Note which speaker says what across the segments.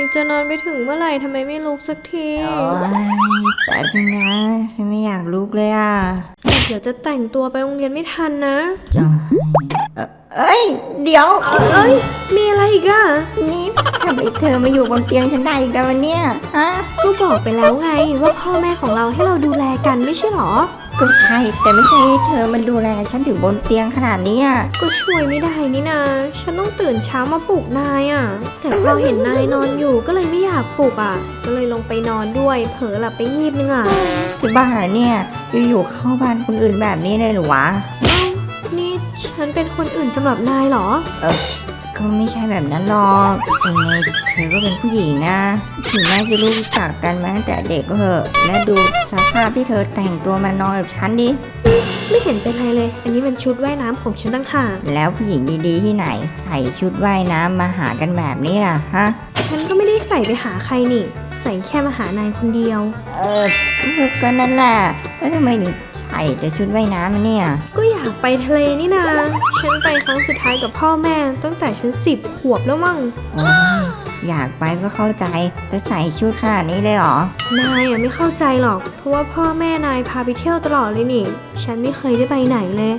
Speaker 1: จะนอนไปถึงเมื่อไหร่ทำไมไม่ลุกสักที
Speaker 2: โอ้ยแป๊บนึงนะฉันไม่อยากลุกเลยอ่ะ
Speaker 1: เดี๋ยวจะแต่งตัวไปโรงเรียนไม่ทันนะ
Speaker 2: จ้าเอ้ยเดี๋ยว
Speaker 1: เอ้ยมีอะไรอีกอะ
Speaker 2: นี่ทำไมเธอมาอยู่บนเตียงฉันได้อีกแล้ววันเนี้ยฮะ
Speaker 1: ก็บอกไปแล้วไงว่าพ่อแม่ของเราให้เราดูแลกันไม่ใช่หรอ
Speaker 2: ก็ใช่แต่ไม่ใช่ให้เธอมันดูแลฉันถึงบนเตียงขนาดนี้อ่ะ
Speaker 1: ก็ช่วยไม่ได้นี่นาฉันต้องตื่นเช้ามาปลุกนายอ่ะแต่พอเห็นนายนอนอยู่ก็เลยไม่อยากปลุกอ่ะก็เลยลงไปนอนด้วยเผลอหลับไปงีบนึงอ่ะ
Speaker 2: จะบ้าเหรอเนี่ยอยู่ๆเข้าบ้านคนอื่นแบบนี้เลยหรือวะ
Speaker 1: นี่ฉันเป็นคนอื่นสำหรับนายเหรอ
Speaker 2: ก็ไม่ใช่แบบนั้นหรอกยังไงเธอก็เป็นผู้หญิงนะถึงแม้จะรู้จักกันมาตั้งแต่เด็กก็เถอะและดูสภาพที่เธอแต่งตัวมานอนกับฉันดิ
Speaker 1: ไม่เห็นเป็นไรเลยอันนี้เป็นชุดว่ายน้ำของฉันต่างหาก
Speaker 2: แล้วผู้หญิงดีๆที่ไหนใส่ชุดว่ายน้ำมาหากันแบบนี้ล่ะฮะ
Speaker 1: ฉันก็ไม่ได้ใส่ไปหาใครนี่ใส่แค่มาหานายคนเดียว
Speaker 2: ก็นั่นแหละแล้วทำไมถึงใส่แต่ชุดว่ายน้ำเนี่ย
Speaker 1: ก็อยากไปทะเลนี่นาฉันไปครั้งสุดท้ายกับพ่อแม่ตั้งแต่ฉัน10 ขวบแล้วมั้ง
Speaker 2: อยากไปก็เข้าใจแต่ใส่ชุดขนาดนี้เลยเหร
Speaker 1: อนายไม่เข้าใจหรอกเพราะว่าพ่อแม่นายพาไปเที่ยวตลอดเลยนี่ฉันไม่เคยได้ไปไหนเลย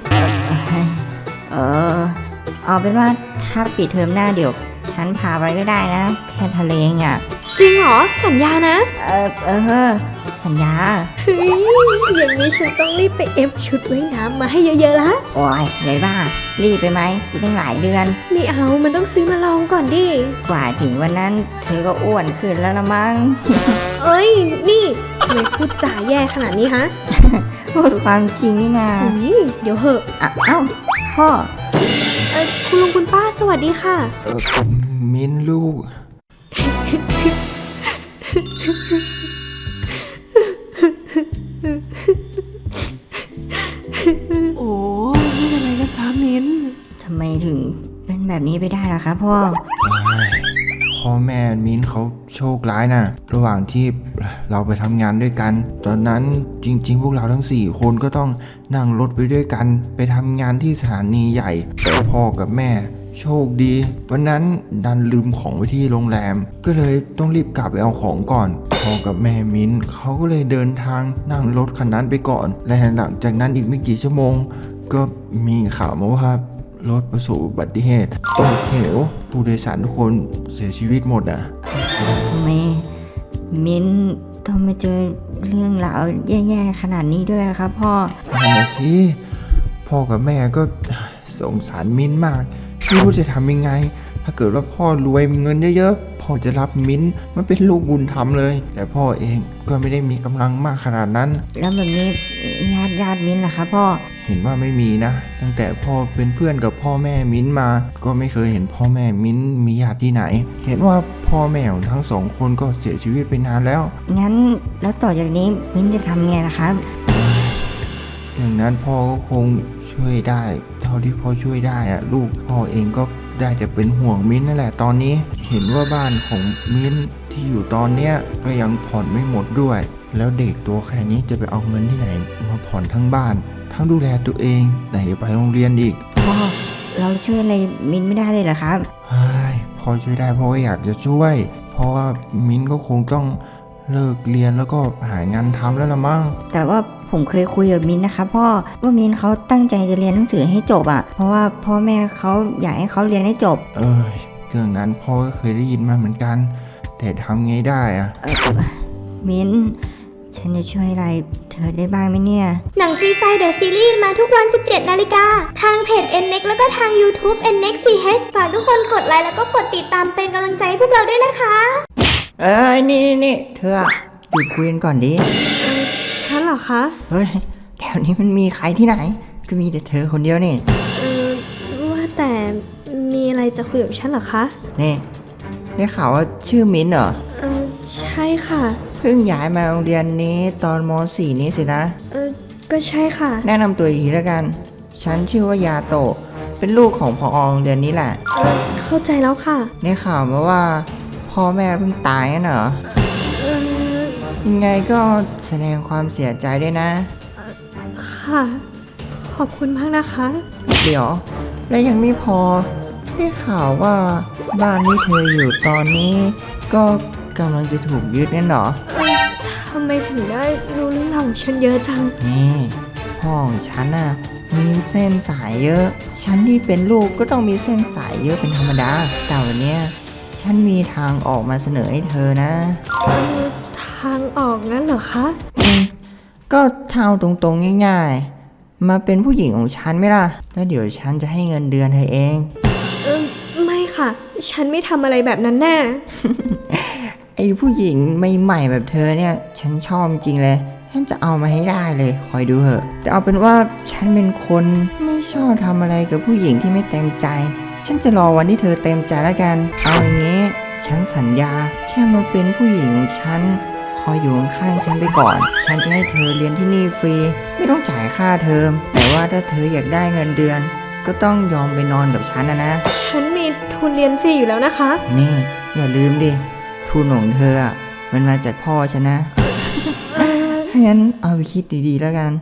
Speaker 2: เอาเป็นว่าถ้าปิดเทอมหน้าเดี๋ยวฉันพาไปก็ได้นะแค่ทะเลอ่ะ
Speaker 1: จริงเหรอสัญญานะ
Speaker 2: สัญญา
Speaker 1: เฮ้ยอย่างนี้ฉันต้องรีบไปเอฟชุดว่ายน้ำมาให้เยอะๆละ
Speaker 2: โอ้ยเลยบ้ารีบไปไหมอีกตั้งหลายเดือน
Speaker 1: ไม่เอามันต้องซื้อมาลองก่อนดิ
Speaker 2: กว่าถึงวันนั้นเธอก็อ้วนขึ้นแล้วละมั้ง
Speaker 1: เอ้ยนี่ทำไมพูดจาแย่ขนาดนี้ฮะ
Speaker 2: พูดความจริงนี่นา
Speaker 1: เดี๋ยวเหอะ
Speaker 2: เอ้าพ่อ
Speaker 1: คุณลุงคุณป้าสวัสดีค่ะ
Speaker 3: มิ้นลูก
Speaker 4: โอ้ไม่เป็นไรนะจ๊ะมิ้น
Speaker 2: ทำไมถึงเป็นแบบนี้ไปได้ล่ะครับพ่อ
Speaker 3: แม่มิ้นเขาโชคร้ายนะระหว่างที่เราไปทำงานด้วยกันตอนนั้นจริงๆพวกเราทั้ง4คนก็ต้องนั่งรถไปด้วยกันไปทำงานที่สถานีใหญ่แต่พ่อกับแม่โชคดีวันนั้นดันลืมของไว้ที่โรงแรมก็เลยต้องรีบกลับไปเอาของก่อนพ่อกับแม่มิ้นเขาก็เลยเดินทางนั่งรถคันนั้นไปก่อนและหลังจากนั้นอีกไม่กี่ชั่วโมงก็มีข่าวมาว่ารถประสบอุบัติเหตุตกเหวผู้โดยสารทุกคนเสียชีวิตหมดอ่ะ
Speaker 2: ทำไมมิ้นต้องมาเจอเรื่องราวแย่ๆขนาดนี้ด้วยครับพ่อ
Speaker 3: นั่นแหละสิพ่อกับแม่ก็สงสารมิ้นมากไม่รู้จะทำยังไงถ้าเกิดว่าพ่อรวยมีเงินเยอะๆพ่อจะรับมิ้นมันเป็นลูกบุญธรรมเลยแต่พ่อเองก็ไม่ได้มีกำลังมากขนาดนั้น
Speaker 2: แล้วแบบนี้ญาติมิ้นล่ะครับพ่อ
Speaker 3: เห็นว่าไม่มีนะตั้งแต่พ่อเป็นเพื่อนกับพ่อแม่มิ้นมาก็ไม่เคยเห็นพ่อแม่มิ้นมีญาติที่ไหนเห็นว่าพ่อแม่ของทั้ง2คนก็เสียชีวิตไปนานแล้ว
Speaker 2: งั้นแล้วต่อจากนี้มิ้นจะทำไงล่ะครับ
Speaker 3: อย่างนั้นพ่อก็คงช่วยได้เท่าที่พ่อช่วยได้อะลูกพ่อเองก็ได้แต่เป็นห่วงมิ้นนั่นแหละตอนนี้เห็นว่าบ้านของมิ้นที่อยู่ตอนเนี้ยก็ยังผ่อนไม่หมดด้วยแล้วเด็กตัวแค่นี้จะไปเอาเงินที่ไหนมาผ่อนทั้งบ้านทั้งดูแลตัวเองไหนจะไปโรงเรียนอีก
Speaker 2: พ่อเราช่วยอะไรมิ้นไม่ได้เลยเหรอครับ
Speaker 3: เฮ้ยพ่อช่วยได้พ่อก็อยากจะช่วยเพราะว่ามิ้นก็คงต้องเลิกเรียนแล้วก็หางานทำแล้วละมั้ง
Speaker 2: แต่ว่าผมเคยคุยกับมิ้นนะครับพ่อว่ามิ้นเขาตั้งใจจะเรียนหนังสือให้จบอ่ะเพราะว่าพ่อแม่เขาอยากให้เขาเรียนให้จบ
Speaker 3: เรื่องนั้นพ่อก็เคยได้ยินมาเหมือนกันแต่ทำไงได้อ่ะ
Speaker 2: มิ้นฉันจะช่วยอะไรเธอได้บ้างไหมเนี่ย
Speaker 5: หนังฟรีไฟเดอะซีรีส์มาทุกวัน 17 นาฬิกาทางเพจ NNEXT แล้วก็ทาง YouTube NNEXT CH ฝากทุกคนกดไลค์แล้วก็กดติดตามเป็นกำลังใจให้พวกเราด้วยนะคะ
Speaker 2: นี่เธอหยุดคุยกันก่อนดิ
Speaker 1: ฉันเหรอคะ
Speaker 2: เฮ้ยแถวนี้มันมีใครที่ไหนก็มีแต่เธอคนเดียวนี่
Speaker 1: ว่าแต่มีอะไรจะคุยกับฉันเหรอคะ
Speaker 2: นี่ได้ข่าวว่าชื่อมิ้นเหรอ
Speaker 1: ใช่ค่ะ
Speaker 2: เพิ่งย้ายมาโรงเรียนนี้ตอนม.4 นี้สินะ
Speaker 1: ก็ใช่ค่ะ
Speaker 2: แนะนำตัวอีกทีแล้วกันฉันชื่อว่ายาโตะเป็นลูกของผอ.โรงเรียนนี้แหละ
Speaker 1: เข้าใจแล้วค่ะ
Speaker 2: ได้ข่าวมาว่าพ่อแม่เพิ่งตายน่ะเหรอยังไงก็แสดงความเสียใจด้วยนะ
Speaker 1: ค่ะขอบคุณมากนะคะ
Speaker 2: เดี๋ยวและยังไม่พอได้ข่าวว่าบ้านที่เธออยู่ตอนนี้ก็กำลังจะถูกยึดนั่นเหรอ
Speaker 1: ทำไมถึงได้รู้เรื่องราวของฉันเยอะจัง
Speaker 2: นี่พ่อของฉันน่ะมีเส้นสายเยอะ ฉันที่เป็นลูกก็ต้องมีเส้นสายเยอะเป็นธรรมดา แต่วันเนี้ยฉันมีทางออกมาเสนอให้เธอนะ
Speaker 1: ทางออกงั้นเหรอคะ
Speaker 2: ก็เท่าตรงๆง่ายๆ มาเป็นผู้หญิงของฉันไหมล่ะ แล้วเดี๋ยวฉันจะให้เงินเดือนเธอเอง
Speaker 1: ไม่ค่ะ ฉันไม่ทำอะไรแบบนั้นแน่
Speaker 2: ไอ้ผู้หญิงใหม่ๆแบบเธอเนี่ยฉันชอบจริงเลยฉันจะเอามาให้ได้เลยคอยดูเถอะแต่เอาเป็นว่าฉันเป็นคนไม่ชอบทำอะไรกับผู้หญิงที่ไม่เต็มใจ ฉันจะรอวันที่เธอเต็มใจแล้วกันเอาอย่างงี้ฉันสัญญาแค่มาเป็นผู้หญิงของฉันคอยอยู่ข้างๆฉันไปก่อน ฉันจะให้เธอเรียนที่นี่ฟรีไม่ต้องจ่ายค่าเทอมแต่ว่าถ้าเธออยากได้เงินเดือน ก็ต้องยอมไปนอนกับฉันนะ
Speaker 1: ฉันมีทุนเรียนฟรีอยู่แล้วนะคะ
Speaker 2: นี่อย่าลืมดิทุนของเธออะมันมาจากพ่อฉันนะ ถ้างั้นเอาไปคิดดีๆแล้วกัน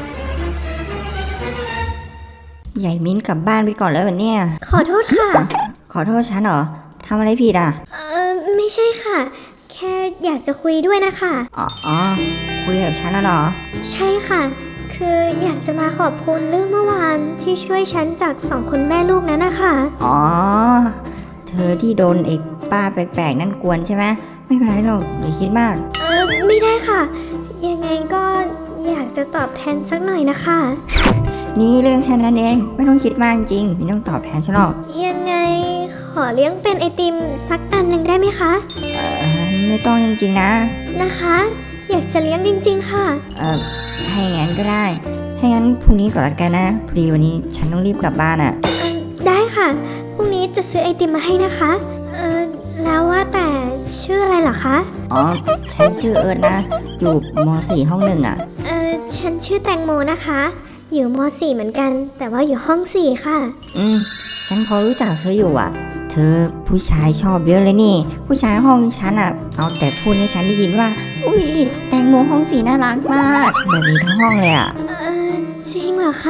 Speaker 2: ใหญ่มิ้นกลับบ้านไปก่อนแล้ววันเนี้ย
Speaker 5: ขอโทษค่ะ
Speaker 2: ขอโทษฉันเหรอทำอะไรผิดอ่ะ
Speaker 5: ไม่ใช่ค่ะ แค่อยากจะคุยด้วยนะคะ
Speaker 2: อ๋อคุยกับฉันน่ะเหรอ
Speaker 5: ใช่ค่ะ คืออยากจะมาขอบคุณเรื่องเมื่อวานที่ช่วยฉันจาก2 คนแม่ลูกนั้นนะคะ
Speaker 2: อ๋อ เธอที่โดนไอ้ป้าแปลกๆนั่นกวนใช่ไหมไม่เป็นไรหรอกอย่าคิดมาก
Speaker 5: ไม่ได้ค่ะ ยังไงก็อยากจะตอบแทนสักหน่อยนะคะ
Speaker 2: นี่เรื่องแค่นั้นเองไม่ต้องคิดมากจริงไม่ต้องตอบแทนฉันหรอก
Speaker 5: ยังไงขอเลี้ยงเป็นไอติมสักอันหนึ่งได้ไหมคะ
Speaker 2: ไม่ต้องจริงๆนะ
Speaker 5: นะคะ อยากจะเลี้ยงจริงๆค่ะ
Speaker 2: ให้งั้นก็ได้ ให้งั้นพรุ่งนี้ก่อนละกันนะพอดีวันนี้ฉันต้องรีบกลับบ้านอ่ะ
Speaker 5: ได้ค่ะ พรุ่งนี้จะซื้อไอติมมาให้นะคะ แล้วว่าแต่ชื่ออะไรเหรอคะ
Speaker 2: อ๋อ ฉันชื่อเอิร์ธนะ อยู่ม .4 ห้อง 1 อ่ะ
Speaker 5: ฉันชื่อแตงโมนะคะ อยู่ม .4 เหมือนกัน แต่ว่าอยู่ห้อง 4 ค่ะ
Speaker 2: ฉันพอรู้จักเธออยู่อ่ะ เธอผู้ชายชอบเยอะเลยนี่ ผู้ชายห้องฉันอ่ะ เอาแต่พูดให้ฉันได้ยินว่า อุ้ยแตงโมห้อง 4น่ารักมาก แบบนี้ทั้งห้องเลยอ่ะ
Speaker 5: จริงเหรอคะ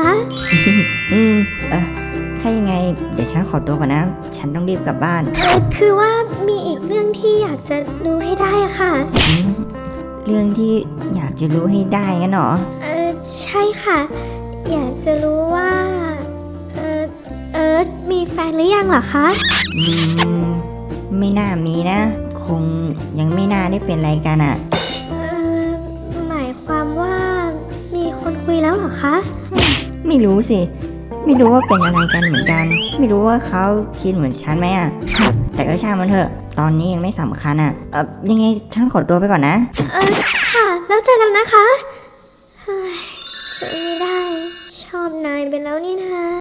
Speaker 2: ถ้ายังไง เดี๋ยวฉันขอตัวก่อนนะ ฉันต้องรีบกลับบ้าน
Speaker 5: คือว่ามีอีกเรื่องที่อยากจะรู้ให้ได้อะค่ะ
Speaker 2: เรื่องที่อยากจะรู้ให้ได้งั้นเหรอ
Speaker 5: ใช่ค่ะ อยากจะรู้ว่า เอิร์ธมีแฟนหรือยังเหรอคะ
Speaker 2: ไม่น่ามีนะ คงยังไม่น่าได้เป็นอะไรกันอ่ะ
Speaker 5: หมายความว่ามีคนคุยแล้วเหรอคะ
Speaker 2: ไม่รู้สิ ไม่รู้ว่าเป็นอะไรกันเหมือนกัน ไม่รู้ว่าเขาคิดเหมือนฉันไหมอ่ะ แต่ก็ช่างมันเถอะ ตอนนี้ยังไม่สำคัญอ่ะยังไงฉันขอตัวไปก่อนนะ
Speaker 5: ค่ะ แล้วเจอกันนะคะ เฮ้ยช่วยไม่ได้ ชอบนายไปแล้วนี่นะ